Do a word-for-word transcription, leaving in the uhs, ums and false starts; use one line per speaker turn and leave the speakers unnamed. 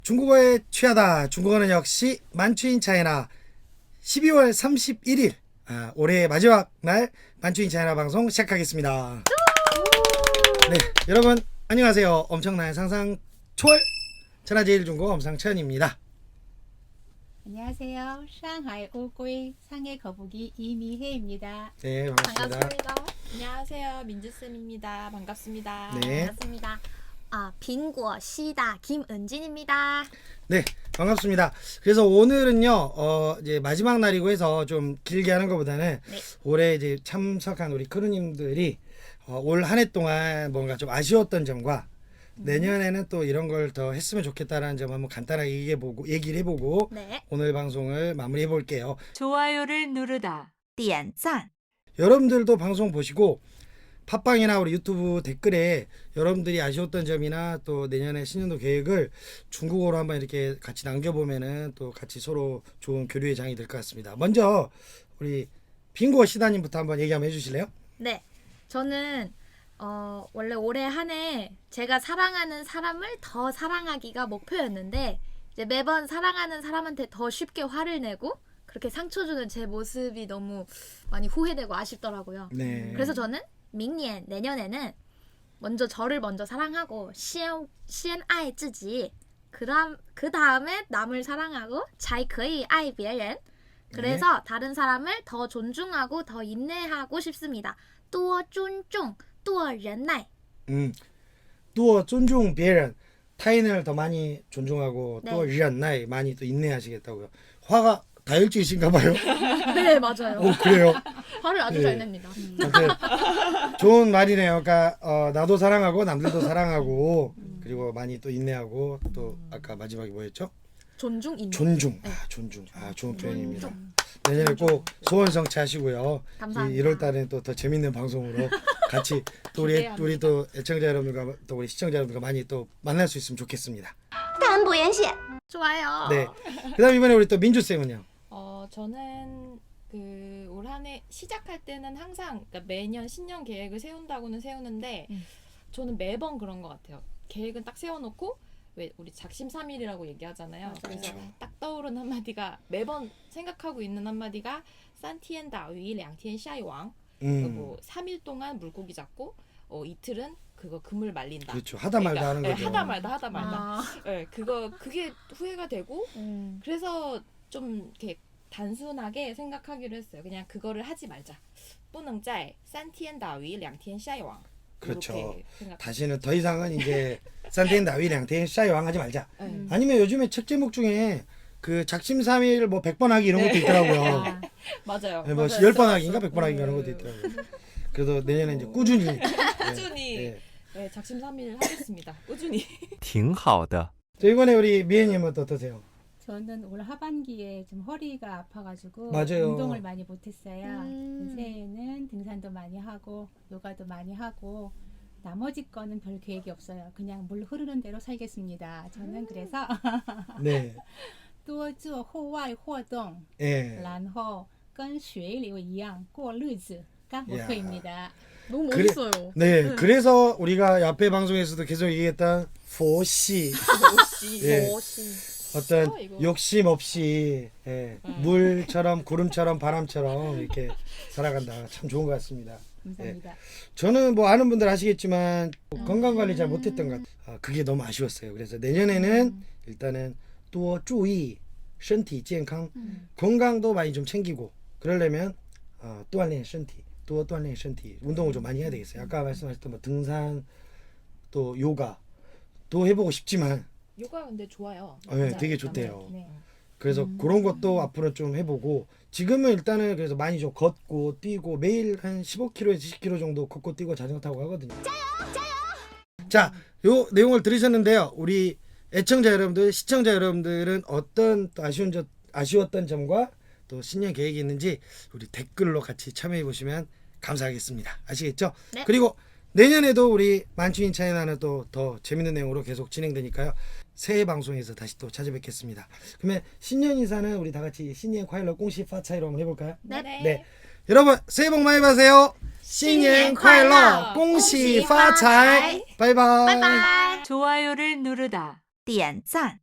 중국어에 취하다. 중국어는 역시 만추인 차이나 십이월 삼십일일 아, 올해 마지막 날 만추인 차이나 방송 시작하겠습니다. 네, 여러분 안녕하세요. 엄청난 상상 초월 천하제일중국어 엄상천입니다.
안녕하세요. 상하이乌龟 상해 거북이 이미혜입니다.
네, 반갑습니다.
반갑습니다. 안녕하세요. 민주쌤입니다. 반갑습니다.
네,
반갑습니다. 아, 빙고 시다 김은진입니다.
네, 반갑습니다. 그래서 오늘은요, 어, 이제 마지막 날이고 해서 좀 길게 하는 것보다는
네.
올해 이제 참석한 우리 크루님들이 어, 올 한 해 동안 뭔가 좀 아쉬웠던 점과 내년에는 또 이런 걸 더 했으면 좋겠다라는 점 한번 간단하게 얘기해보고 얘기를 해보고
네.
오늘 방송을 마무리해 볼게요.
좋아요를 누르다.
点赞
여러분들도 방송 보시고 팟빵이나 우리 유튜브 댓글에 여러분들이 아쉬웠던 점이나 또 내년에 신년도 계획을 중국어로 한번 이렇게 같이 남겨보면은 또 같이 서로 좋은 교류의 장이 될 것 같습니다. 먼저 우리 빙고 시다님부터 한번 얘기 한번 해주실래요?
네. 저는 어, 원래 올해 한 해 제가 사랑하는 사람을 더 사랑하기가 목표였는데 이제 매번 사랑하는 사람한테 더 쉽게 화를 내고 그렇게 상처 주는 제 모습이 너무 많이 후회되고 아쉽더라고요.
네.
그래서 저는明年 내년에는 먼저 저를 먼저 사랑하고 시엔 시엔爱自己 그다음 그 다음에 남을 사랑하고 才可以爱别人 그래서 다른 사람을 더 존중하고 더 인내하고 싶습니다. 多尊重多忍耐
음, 또 존중 别人 타인을 더 많이 존중하고
네.
또忍耐 많이 또 인내하시겠다고요. 화가 다혈질이신가 봐요.
네, 맞아요.
오, 그래요.
화를 아주
네.
잘 냅니다.
아무튼 좋은 말이네요. 그러니까 어, 나도 사랑하고 남들도 사랑하고 그리고 많이 또 인내하고 또 아까 마지막에 뭐였죠?
존중 인내.
존중. 아, 존중. 아, 좋은 표현입니다. 내년에 꼭 소원 성취하시고요.
감사합니다.
일월 달에는 또 더 재밌는 방송으로 같이 또 우리
기대합니다.
우리 또 애청자 여러분들과 또 우리 시청자 여러분들과 많이 또 만날 수 있으면 좋겠습니다.
좋아요.
네. 그다음 이번에 우리 또 민주 쌤은요.
어, 저는 그 올 한 해 시작할 때는 항상 그러니까 매년 신년 계획을 세운다고는 세우는데
음.
저는 매번 그런 것 같아요. 계획은 딱 세워놓고 왜 우리 작심삼일이라고 얘기하잖아요.
맞아요.
그래서 딱 떠오른 한마디가 매번 생각하고 있는 한마디가 산티엔 다위 량티엔 샤이왕
음.
뭐 삼 일 동안 물고기 잡고 어, 이틀은 그거 그물 말린다.
그렇죠. 하다 말다 하는
예,
거죠.
하다 말다 하다 말다.
아,
예, 그거 그게 후회가 되고
음.
그래서 좀 이렇게 단순하게 생각하기로 했어요. 그냥 그거를 하지 말자. 不能在三天打鱼两天晒网.
그렇죠.
이렇게 생각.
다시는 더 이상은 이제 산티엔 다위 량테인 샤이왕 하지 말자.
네.
아니면 요즘에 책 제목 중에 그 작심삼일 뭐 백 번 하기 이런 것도 있더라고요.
아,
맞아요.
네, 뭐
맞아요.
열 번 하기인가 백 번 하기 이런 것도
네.
있더라고요. 그래도 내년에 이제 꾸준히 네,
꾸준히
네.
네, 작심삼일 하겠습니다. 꾸준히.
挺好的.
저 이번에 우리 미애님은 또 어떠세요?
저는 올 하반기에 좀 허리가 아파가지고
맞아요.
운동을 많이 못했어요.
음.
새해에는 등산도 많이 하고 요가도 많이 하고 나머지 거는 별 계획이 없어요. 그냥 물 흐르는 대로 살겠습니다. 저는 그래서
네,
多做户外活动
예,
然后跟水流一样过日子가 목표입니다.
너무
그래-
멋있어요.
네. 그래서 우리가 앞에 방송에서도 계속 얘기했던 포시 예.
멋이.
어떤
어, 이거.
욕심 없이 예, 물처럼 구름처럼 바람처럼 이렇게 살아간다. 참 좋은 것 같습니다.
감사합니다.
저는 뭐 아는 분들 아시겠지만 건강 관리 잘 못했던 것 같아요. 아, 그게 너무 아쉬웠어요. 그래서 내년에는 일단은 또注意身体健康 건강도 많이 좀 챙기고 그러려면 어, 锻炼身体또锻炼身体 운동을 좀 많이 해야 되겠어요. 아까 말씀하셨던 뭐 등산 또 요가 또 해보고 싶지만
요가 근데 좋아요.
어, 네,
남자-
되게
남자.
좋대요.
네.
그래서 그런 것도 앞으로 좀 해보고 지금은 일단은 그래서 많이 좀 걷고 뛰고 매일 한 십오 킬로미터에서 이십 킬로미터 정도 걷고 뛰고 자전거 타고 하거든요. 자, 요 내용을 들으셨는데요. 우리 애청자 여러분들, 시청자 여러분들은 어떤 또 아쉬운 점, 아쉬웠던 점과 또 신년 계획이 있는지 우리 댓글로 같이 참여해 보시면 감사하겠습니다. 아시겠죠?
네.
그리고 내년에도 우리 만추인 차이나는 또 더 재밌는 내용으로 계속 진행되니까요. 새해 방송에서 다시 또 찾아뵙겠습니다. 그러면 신년 인사는 우리 다 같이 신년 콰일러 공시 파차이로 한번 해볼까요?
네.
네. 여러분 새해 복 많이 받으세요. 신년 콰일러 공시 파차이. 바이바이.
바이바이.
좋아요를 누르다.
点赞